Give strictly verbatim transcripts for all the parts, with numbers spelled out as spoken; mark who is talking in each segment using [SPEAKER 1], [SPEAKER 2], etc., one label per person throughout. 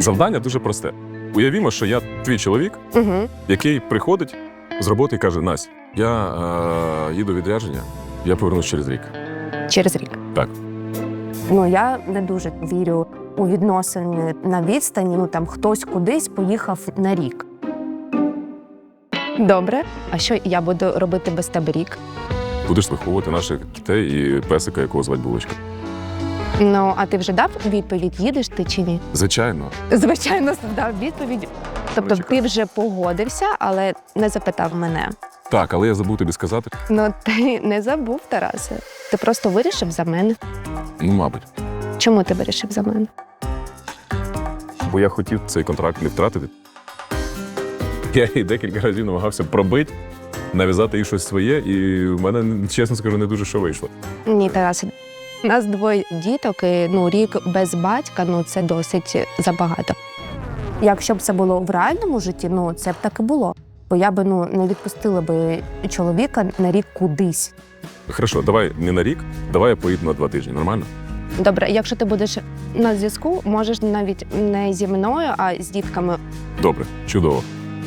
[SPEAKER 1] Завдання дуже просте. Уявімо, що я твій чоловік,
[SPEAKER 2] Угу.
[SPEAKER 1] який приходить з роботи і каже: Настя, я е, їду у відрядження, я повернусь через рік.
[SPEAKER 2] Через рік.
[SPEAKER 1] Так.
[SPEAKER 2] Ну, я не дуже вірю у відносини на відстані. Ну, там хтось кудись поїхав на рік. Добре. А що я буду робити без тебе рік?
[SPEAKER 1] Будеш виховувати наших дітей і песика, якого звати Булочка.
[SPEAKER 2] Ну, а ти вже дав відповідь, їдеш ти чи ні?
[SPEAKER 1] Звичайно.
[SPEAKER 2] Звичайно, дав відповідь. Тобто
[SPEAKER 1] Чекай.
[SPEAKER 2] ти вже погодився, але не запитав мене.
[SPEAKER 1] Так, але я забув тобі сказати.
[SPEAKER 2] Ну, ти не забув, Тарасе. Ти просто вирішив за мене.
[SPEAKER 1] Ну, мабуть.
[SPEAKER 2] Чому ти вирішив за мене?
[SPEAKER 1] Бо я хотів цей контракт не втратити. Я її декілька разів намагався пробити, нав'язати їй щось своє, і в мене, чесно скажу, не дуже що вийшло.
[SPEAKER 2] Ні, Тарасе. У нас двоє діток, і ну, рік без батька, ну, це досить забагато. Якщо б це було в реальному житті, ну, це б так і було. Бо я б ну, не відпустила би чоловіка на рік кудись.
[SPEAKER 1] Хорошо, давай не на рік, давай я поїду на два тижні, нормально?
[SPEAKER 2] Добре, якщо ти будеш на зв'язку, можеш навіть не зі мною, а з дітками.
[SPEAKER 1] Добре, чудово.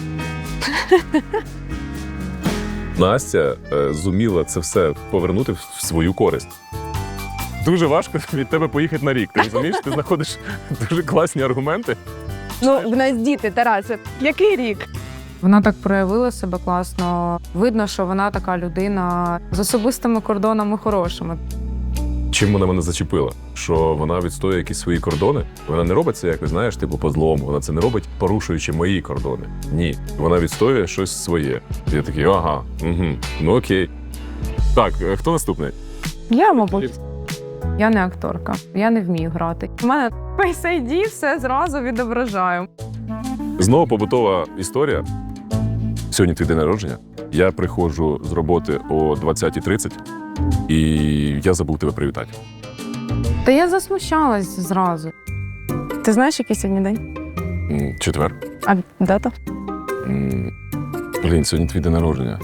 [SPEAKER 1] Настя е, зуміла це все повернути в свою користь. Дуже важко від тебе поїхати на рік. Ти розумієш? Ти знаходиш дуже класні аргументи.
[SPEAKER 2] Ну, в нас діти, Тарасе. Який рік?
[SPEAKER 3] Вона так проявила себе класно. Видно, що вона така людина з особистими кордонами хорошими.
[SPEAKER 1] Чим вона мене зачепила? Що вона відстоює якісь свої кордони. Вона не робить це якось, знаєш, типу по злому. Вона це не робить, порушуючи мої кордони. Ні. Вона відстоює щось своє. Я такий, ага, угу, ну окей. Так, е, хто наступний?
[SPEAKER 3] Я, мабуть, я не акторка, я не вмію грати. У мене Face ай ді все зразу відображаю.
[SPEAKER 1] Знову побутова історія. Сьогодні твій день народження. Я приходжу з роботи о двадцятій тридцять, і я забув тебе привітати.
[SPEAKER 3] Та я засмущалась зразу.
[SPEAKER 2] Ти знаєш, який сьогодні день?
[SPEAKER 1] М, Четвер.
[SPEAKER 2] А дата?
[SPEAKER 1] М, Блін, сьогодні твій день народження.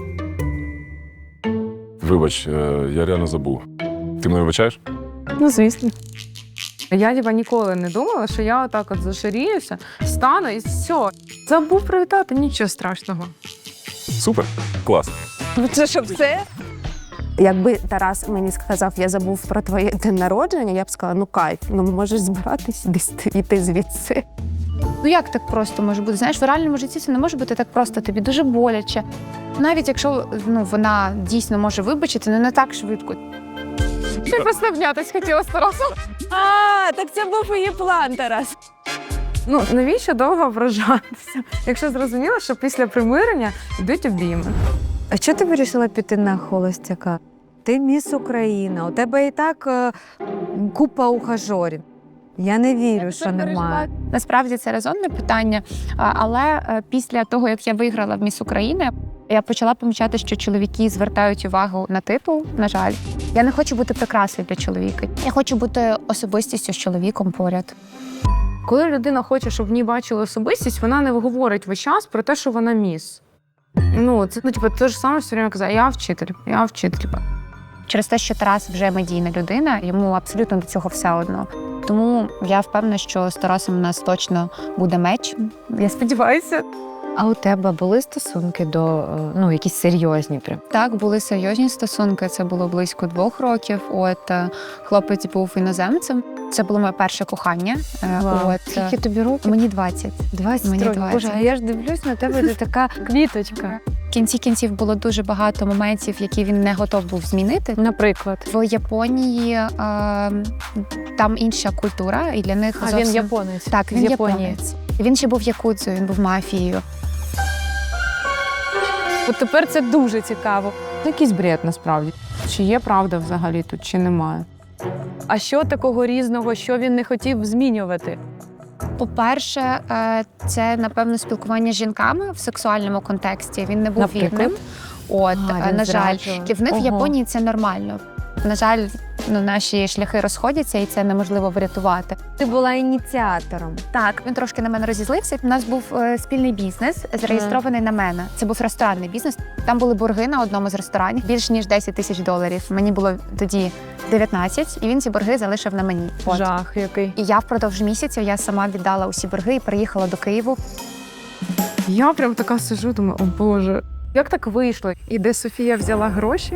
[SPEAKER 1] Вибач, е, я реально забув. Ти мене вибачаєш?
[SPEAKER 2] Ну, звісно.
[SPEAKER 3] Я ніби ніколи не думала, що я отак от зашаріюся, стану і все. Забув привітати, нічого страшного.
[SPEAKER 1] Супер, клас.
[SPEAKER 2] Це що, все? Якби Тарас мені сказав, я забув про твоє день народження, я б сказала, ну кайф, ну можеш збиратись десь йти звідси.
[SPEAKER 4] Ну як так просто може бути? Знаєш, в реальному житті це не може бути так просто, тобі дуже боляче. Навіть якщо ну, вона дійсно може вибачити, але не так швидко.
[SPEAKER 3] Ти просто обнятись хотіла з Тарасом.
[SPEAKER 2] А, так це був її план, Тарас.
[SPEAKER 3] Ну, навіщо довго ображатися, якщо зрозуміло, що після примирення йдуть обійми?
[SPEAKER 5] А чого ти вирішила піти на холостяка? Ти міс Україна, у тебе і так е, купа ухажорів. Я не вірю, що немає.
[SPEAKER 4] Насправді це резонне питання, а, але е, після того, як я виграла в Міс України, я почала помічати, що чоловіки звертають увагу на титул, на жаль. Я не хочу бути прикрасою для чоловіка. Я хочу бути особистістю з чоловіком поряд.
[SPEAKER 3] Коли людина хоче, щоб в ній бачили особистість, вона не говорить весь час про те, що вона міс. Ну, це ну, типу, те ж саме все время казати, я вчитель, я вчитель.
[SPEAKER 4] Через те, що Тарас вже медійна людина, йому абсолютно до цього все одно. Тому я впевнена, що з Тарасом у нас точно буде меч. Я сподіваюся.
[SPEAKER 5] А у тебе були стосунки до, е, ну, якісь серйозні прям?
[SPEAKER 4] Так, були серйозні стосунки. Це було близько двох років. От е, хлопець був іноземцем. Це було моє перше кохання. Е,
[SPEAKER 5] Вау.
[SPEAKER 4] От е,
[SPEAKER 5] Скільки тобі років?
[SPEAKER 4] мені двадцять.
[SPEAKER 5] двадцять
[SPEAKER 4] Мені
[SPEAKER 5] років.
[SPEAKER 4] двадцять.
[SPEAKER 5] Боже, а я ж дивлюсь на тебе, ти така квіточка.
[SPEAKER 4] В кінці кінців було дуже багато моментів, які він не готов був змінити.
[SPEAKER 5] Наприклад.
[SPEAKER 4] В Японії е, там інша культура, і для них
[SPEAKER 5] А
[SPEAKER 4] зовсім...
[SPEAKER 5] він японець.
[SPEAKER 4] Так, він
[SPEAKER 5] з Японії.
[SPEAKER 4] японець. Він ще був якудзою, він був мафією.
[SPEAKER 3] От тепер це дуже цікаво. Це якийсь бред, насправді. Чи є правда взагалі тут, чи немає?
[SPEAKER 6] А що такого різного, що він не хотів змінювати?
[SPEAKER 4] По-перше, е, це, напевно, спілкування з жінками в сексуальному контексті. Він не був
[SPEAKER 5] Наприклад?
[SPEAKER 4] вірним. От,
[SPEAKER 5] А,
[SPEAKER 4] е,
[SPEAKER 5] він
[SPEAKER 4] на жаль,
[SPEAKER 5] зраджував.
[SPEAKER 4] і в них в
[SPEAKER 5] Ого.
[SPEAKER 4] Японії це нормально. На жаль, ну, наші шляхи розходяться, і це неможливо врятувати.
[SPEAKER 5] Ти була ініціатором.
[SPEAKER 4] Так, він трошки на мене розізлився. У нас був е, спільний бізнес, зареєстрований на мене. Це був ресторанний бізнес. Там були борги на одному з ресторанів більш ніж десять тисяч доларів. Мені було тоді дев'ятнадцять, і він ці борги залишив на мені. От.
[SPEAKER 6] Жах який.
[SPEAKER 4] І я впродовж місяців я сама віддала усі борги і приїхала до Києву.
[SPEAKER 3] Я прям така сижу, думаю, о Боже, як так вийшло? І де Софія взяла гроші?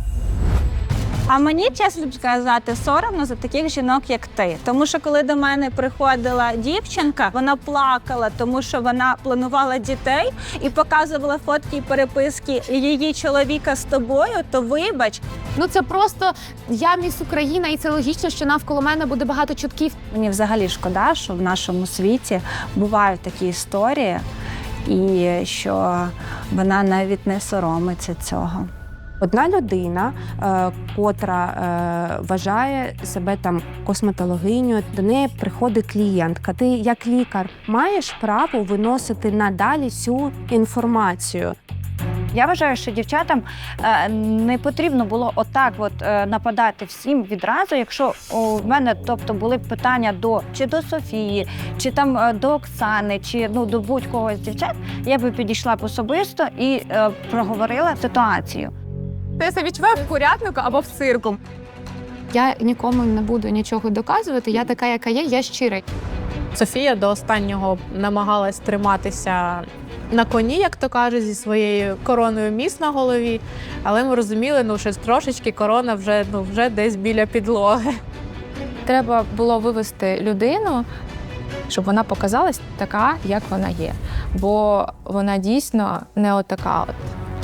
[SPEAKER 7] А мені, чесно сказати, соромно за таких жінок, як ти. Тому що коли до мене приходила дівчинка, вона плакала, тому що вона планувала дітей і показувала фотки і переписки її чоловіка з тобою, то вибач.
[SPEAKER 4] Ну це просто я міс Україна, і це логічно, що навколо мене буде багато чутків.
[SPEAKER 7] Мені взагалі шкода, що в нашому світі бувають такі історії, і що вона навіть не соромиться цього.
[SPEAKER 2] Одна людина, е, котра е, вважає себе там косметологинею, до неї приходить клієнтка. Ти як лікар маєш право виносити надалі цю інформацію.
[SPEAKER 8] Я вважаю, що дівчатам е, не потрібно було отак от е, нападати всім відразу, якщо о, в мене, тобто, були б питання до чи до Софії, чи там е, до Оксани, чи ну до будь-кого з дівчат, я би підійшла б особисто і е, проговорила ситуацію.
[SPEAKER 3] Ти себе відчуваю в курятнику або в цирку.
[SPEAKER 4] Я нікому не буду нічого доказувати. Я така, яка є, я щира.
[SPEAKER 6] Софія до останнього намагалась триматися на коні, як то кажуть, зі своєю короною міс на голові. Але ми розуміли, ну, що трошечки корона вже, ну, вже десь біля підлоги.
[SPEAKER 3] Треба було вивести людину, щоб вона показалась така, як вона є. Бо вона дійсно не отака от.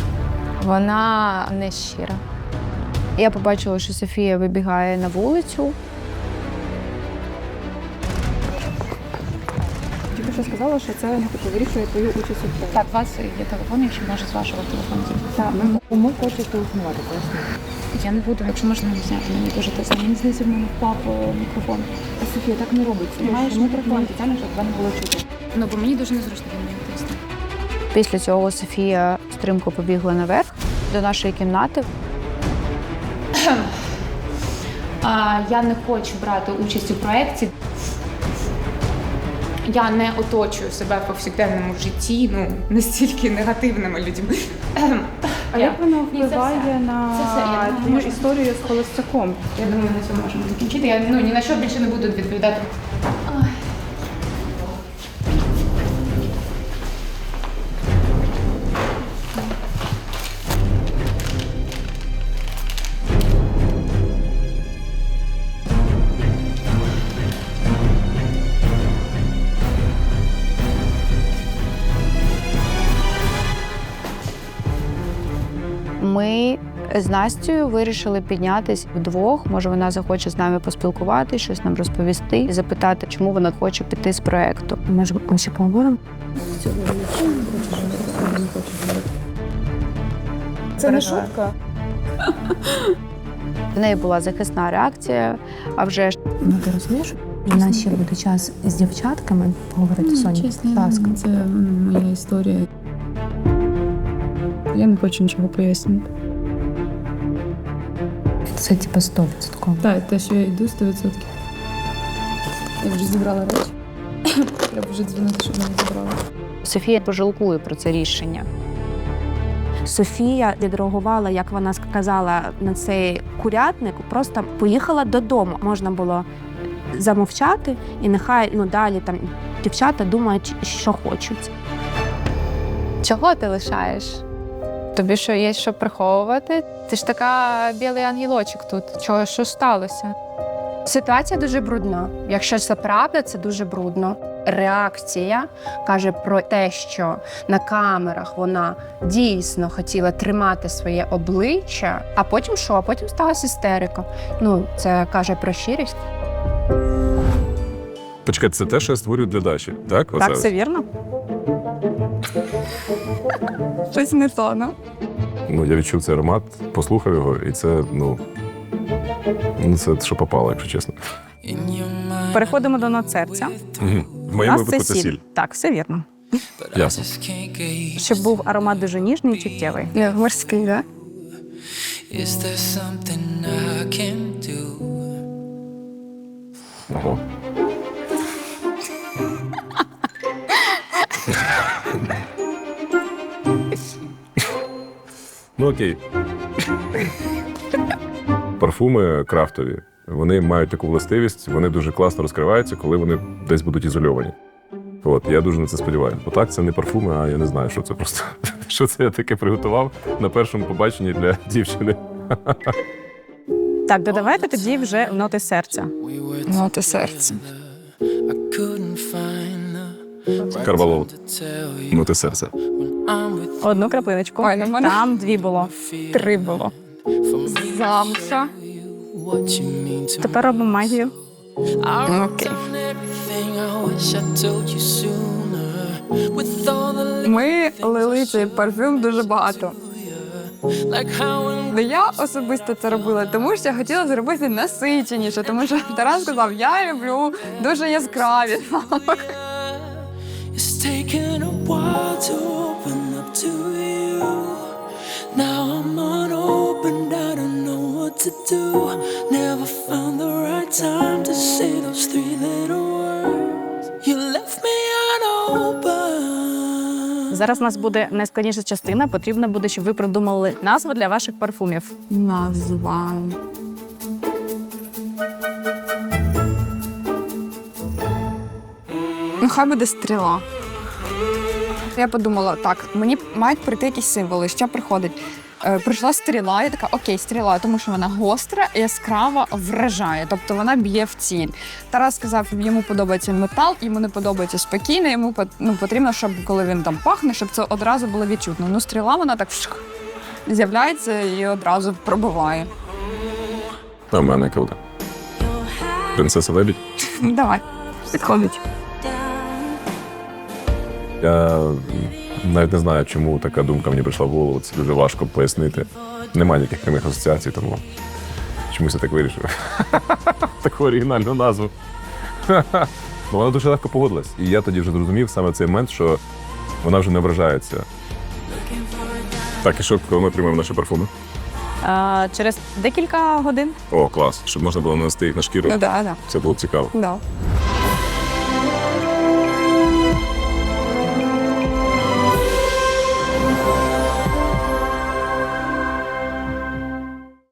[SPEAKER 3] Вона не щира. Я побачила, що Софія вибігає на вулицю.
[SPEAKER 9] Тільки що сказала, що це типу, вирішує твою участь у проєкті.
[SPEAKER 4] Так, у вас є телефон, якщо може з вашого телефону.
[SPEAKER 9] Так, ми кому хочеш телефонувати, поясню.
[SPEAKER 4] Я не буду, якщо можна не зняти, мені дуже тисно.
[SPEAKER 9] Мені здається, в мене впав е, мікрофон. А, Софія, так не робиться. Маєш мікрофон спеціально, щоб тебе не було чути.
[SPEAKER 4] Ну, бо мені дуже незручно від мене тисне.
[SPEAKER 3] Після цього Софія стрімко побігла наверх до нашої кімнати.
[SPEAKER 4] А, я не хочу брати участь у проєкті. Я не оточую себе в повсякденному житті, ну, настільки негативними людьми.
[SPEAKER 9] А як воно
[SPEAKER 4] Ні, це
[SPEAKER 9] впливає
[SPEAKER 4] все.
[SPEAKER 9] на
[SPEAKER 4] Це все. Я думаю,
[SPEAKER 9] твою
[SPEAKER 4] можна-
[SPEAKER 9] історію з холостяком?
[SPEAKER 4] Я думаю, на цьому можемо закінчити. Я ну, ні на що більше не буду відповідати. Ой.
[SPEAKER 3] Ми з Настею вирішили піднятись вдвох. Може, вона захоче з нами поспілкуватися, щось нам розповісти і запитати, чому вона хоче піти з проєкту. Може, ми ще поговоримо?
[SPEAKER 9] Це не шутка.
[SPEAKER 3] В неї була захисна реакція, а вже ж
[SPEAKER 2] Ну ти розумієш? У нас ще буде час з дівчатками поговорити, Соня. Будь ласка.
[SPEAKER 9] Це моя історія. Я не хочу нічого пояснювати.
[SPEAKER 2] Це типу сто відсотків.
[SPEAKER 9] Так, те, що я йду сто відсотків. Я вже зібрала речі. Треба вже дзвонити, щоб мене забрали.
[SPEAKER 3] Софія пожалкує про це рішення.
[SPEAKER 2] Софія відреагувала, як вона сказала, на цей курятник, просто поїхала додому. Можна було замовчати, і нехай ну далі там дівчата думають, що хочуть.
[SPEAKER 3] Чого ти лишаєш? Тобі що, є що приховувати? Ти ж така білий ангелочок тут. Чого, що сталося?
[SPEAKER 2] Ситуація дуже брудна. Якщо це правда, це дуже брудно. Реакція каже про те, що на камерах вона дійсно хотіла тримати своє обличчя, а потім що? А потім сталася істерика. Ну, це каже про щирість.
[SPEAKER 1] Почекайте, це те, що я створюю для Даші, так? Оце
[SPEAKER 7] Так,
[SPEAKER 1] ось?
[SPEAKER 7] все вірно. Щось не то, ну.
[SPEAKER 1] Ну, я відчув цей аромат, послухав його, і це, ну, ну це що попало, якщо чесно.
[SPEAKER 7] Переходимо до нот серця.
[SPEAKER 1] Угу. В
[SPEAKER 7] У
[SPEAKER 1] моєму
[SPEAKER 7] нас це
[SPEAKER 1] випадку це
[SPEAKER 7] сіль.
[SPEAKER 1] сіль.
[SPEAKER 7] Так, все вірно.
[SPEAKER 1] Ясно.
[SPEAKER 7] Щоб був аромат дуже ніжний і чуттєвий.
[SPEAKER 2] Морський, так?
[SPEAKER 10] Is there something I can do?
[SPEAKER 1] Ого. Ну окей. Парфуми крафтові, вони мають таку властивість, вони дуже класно розкриваються, коли вони десь будуть ізольовані. От, я дуже на це сподіваюся. Бо так, це не парфуми, а я не знаю, що це просто. Що це я таке приготував на першому побаченні для дівчини.
[SPEAKER 11] Так, додавайте тоді вже ноти серця.
[SPEAKER 3] Ноти серця.
[SPEAKER 10] I couldn't find the right
[SPEAKER 1] Карвалол.
[SPEAKER 10] to tell you
[SPEAKER 1] Ну, ти серце.
[SPEAKER 10] I'm with
[SPEAKER 11] Одну краплиночку.
[SPEAKER 3] Ой, ну в мене
[SPEAKER 11] Там дві було.
[SPEAKER 3] три було. Замша.
[SPEAKER 10] what you mean to me.
[SPEAKER 11] Тепер робимо магію.
[SPEAKER 10] I wrote
[SPEAKER 3] Окей.
[SPEAKER 10] down everything I wish I told you sooner. With all the
[SPEAKER 3] Ми лили цей парфюм дуже багато.
[SPEAKER 10] like how when
[SPEAKER 3] Ну, я особисто це робила, тому що я хотіла зробити насиченіше, тому що Тарас сказав, я люблю дуже яскраві.
[SPEAKER 10] it's taken a while to open up to you. Now I'm unopened, I don't know what to do. Never found the right time to say those three little words. You left me unopened.
[SPEAKER 11] Зараз у нас буде найскладніша частина. Потрібно буде, щоб ви придумали назву для ваших парфумів.
[SPEAKER 3] Назва. Ну, хай буде стріла. Я подумала, так, мені мають прийти якісь символи. Що приходить? Е, прийшла стріла, я така, окей, стріла, тому що вона гостра, яскрава, вражає, тобто вона б'є в ціль. Тарас сказав, йому подобається метал, йому не подобається спокійно, йому по- ну, потрібно, щоб коли він там пахне, щоб це одразу було відчутно. Ну, стріла, вона так вшх, з'являється і одразу пробиває.
[SPEAKER 1] А в мене яка буде? Принцеса Лебідь.
[SPEAKER 3] Давай, підходить.
[SPEAKER 1] Я навіть не знаю, чому така думка мені прийшла в голову. Це дуже важко пояснити. Немає ніяких прямих асоціацій, тому чомусь я так вирішив. Таку оригінальну назву. Ну, вона дуже легко погодилась. І я тоді вже зрозумів саме в цей момент, що вона вже не вражається. Так, і що, коли ми приймемо наші парфуми?
[SPEAKER 11] А, через декілька годин.
[SPEAKER 1] О, клас, щоб можна було нанести їх на шкіру.
[SPEAKER 3] Ну, да, да.
[SPEAKER 1] Це було цікаво.
[SPEAKER 3] Да.